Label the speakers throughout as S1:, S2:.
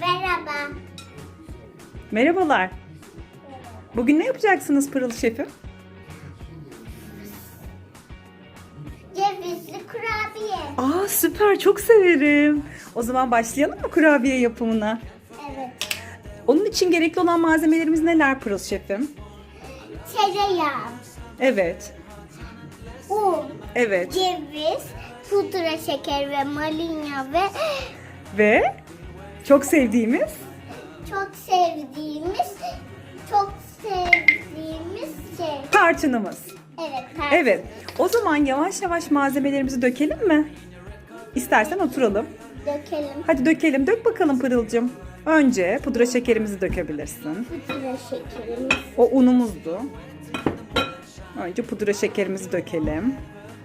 S1: Merhaba.
S2: Merhabalar. Bugün ne yapacaksınız Pırıl Şefim?
S1: Cevizli kurabiye.
S2: Aa süper, çok severim. O zaman başlayalım mı kurabiye yapımına?
S1: Evet.
S2: Onun için gerekli olan malzemelerimiz neler Pırıl Şefim?
S1: Tereyağı,
S2: Evet.
S1: un,
S2: Evet.
S1: ceviz, pudra şeker ve malina ve
S2: Ve çok sevdiğimiz
S1: çok sevdiğimiz şey.
S2: tarçınımız.
S1: Evet.
S2: Evet. O zaman yavaş yavaş malzemelerimizi dökelim mi? İstersen oturalım.
S1: Dökelim.
S2: Hadi dökelim. Dök bakalım Pırıl'cığım. Önce pudra şekerimizi dökebilirsin.
S1: Pudra şekerimiz.
S2: O unumuzdu. Önce pudra şekerimizi dökelim.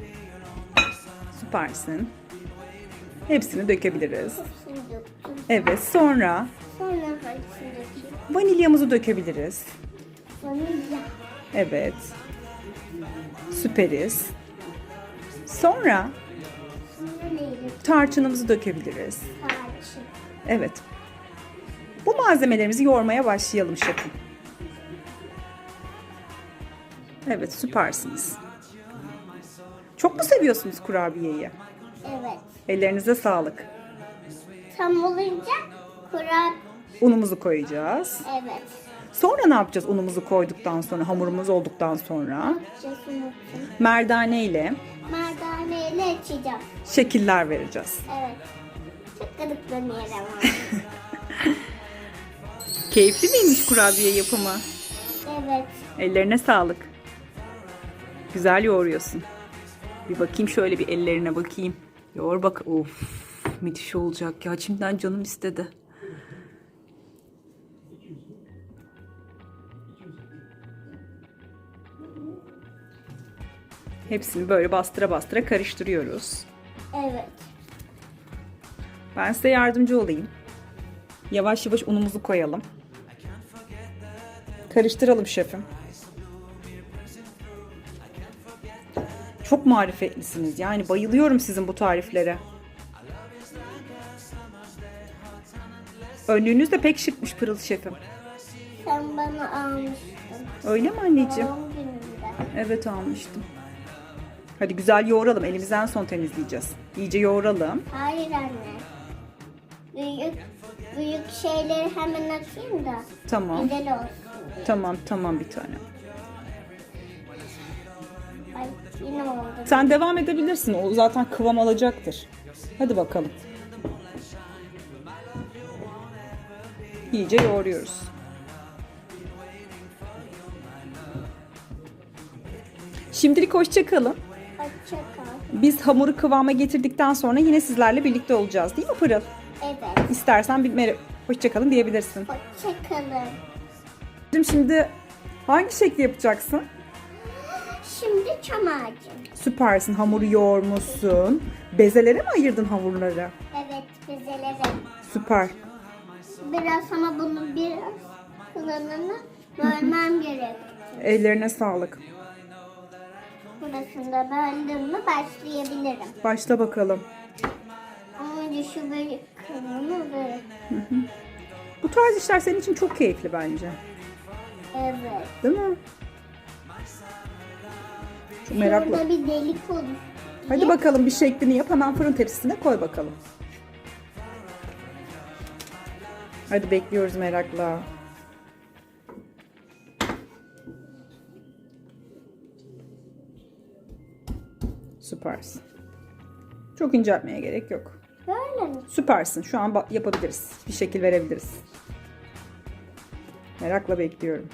S2: Süpersin. Hepsini dökebiliriz.
S1: Hepsini döktüm.
S2: Evet, sonra
S1: Sonra hangisini dökeyim?
S2: vanilyamızı dökebiliriz.
S1: Vanilya.
S2: Evet. Süperiz. Sonra
S1: Sonra neydi?
S2: tarçınımızı dökebiliriz.
S1: Tarçın.
S2: Evet. Bu malzemelerimizi yoğurmaya başlayalım şefim. Evet, süpersiniz. Çok mu seviyorsunuz kurabiyeyi?
S1: Evet.
S2: Ellerinize sağlık.
S1: Tam olunca
S2: Unumuzu koyacağız.
S1: Evet.
S2: Sonra ne yapacağız unumuzu koyduktan sonra, hamurumuz olduktan sonra?
S1: Yapacağız, unuttum.
S2: Merdane ile
S1: Merdaneyle açacağım.
S2: şekiller vereceğiz.
S1: Evet. Çok gıdıklanıyor ama.
S2: Keyifli miymiş kurabiye yapımı?
S1: Evet.
S2: Ellerine sağlık. Güzel yoğuruyorsun. Bir bakayım şöyle bir ellerine bakayım. Yoğur bak. Of, müthiş olacak ya. Şimdiden canım istedi. Hepsini böyle bastıra bastıra karıştırıyoruz.
S1: Evet.
S2: Ben size yardımcı olayım. Yavaş yavaş unumuzu koyalım. Karıştıralım şefim. Çok marifetlisiniz. Yani bayılıyorum sizin bu tariflere. Önlüğünüz de pek şıkmış Pırıl şefim.
S1: Sen bana almıştın.
S2: Öyle mi anneciğim?
S1: Doğum günümde.
S2: Evet, almıştım. Hadi güzel yoğuralım. Elimizden son temizleyeceğiz. İyice yoğuralım.
S1: Hayır anne. Büyük şeyleri hemen atayım da.
S2: Tamam.
S1: Güzel olsun.
S2: Tamam bir tane.
S1: Ay yine oldu.
S2: Sen devam edebilirsin. O zaten kıvam alacaktır. Hadi bakalım. İyice yoğuruyoruz. Şimdilik hoşça kalın.
S1: Hoşça kal.
S2: Biz hamuru kıvama getirdikten sonra yine sizlerle birlikte olacağız, değil mi Pırıl?
S1: Evet.
S2: İstersen bir hoşça kalın diyebilirsin.
S1: Hoşça kalın.
S2: Şimdi hangi şekli yapacaksın?
S1: Şimdi çam ağacı.
S2: Süpersin. Hamuru yoğurmuşsun. Bezelere mi ayırdın hamurları?
S1: Evet, bezeleri.
S2: Süper.
S1: Biraz ama bunu biraz kılanını bölmem gerek.
S2: Ellerine sağlık.
S1: Burasını da böldüm mü başlayabilirim.
S2: Başla bakalım.
S1: Ama önce şu böyle kılanı böyle.
S2: Bu tarz işler senin için çok keyifli bence.
S1: Evet.
S2: Değil mi? Çok meraklı.
S1: Burada bir delik olur.
S2: Hadi bakalım, bir şeklini yap. Hemen fırın tepsisine koy bakalım. Hadi bekliyoruz merakla. Süpersin. Çok inceltmeye gerek yok.
S1: Böyle mi?
S2: Süpersin. Şu an yapabiliriz. Bir şekil verebiliriz. Merakla bekliyorum.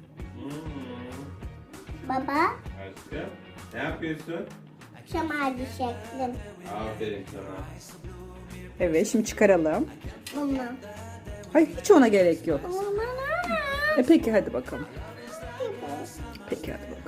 S1: Baba,
S3: Aşkım, ne yapıyorsun?
S1: çam ağacı şeklim.
S3: Aferin sana.
S2: Evet, şimdi çıkaralım.
S1: Bunu.
S2: Hayır, hiç ona gerek yok.
S1: Aman.
S2: Peki hadi bakalım. Peki hadi bakalım.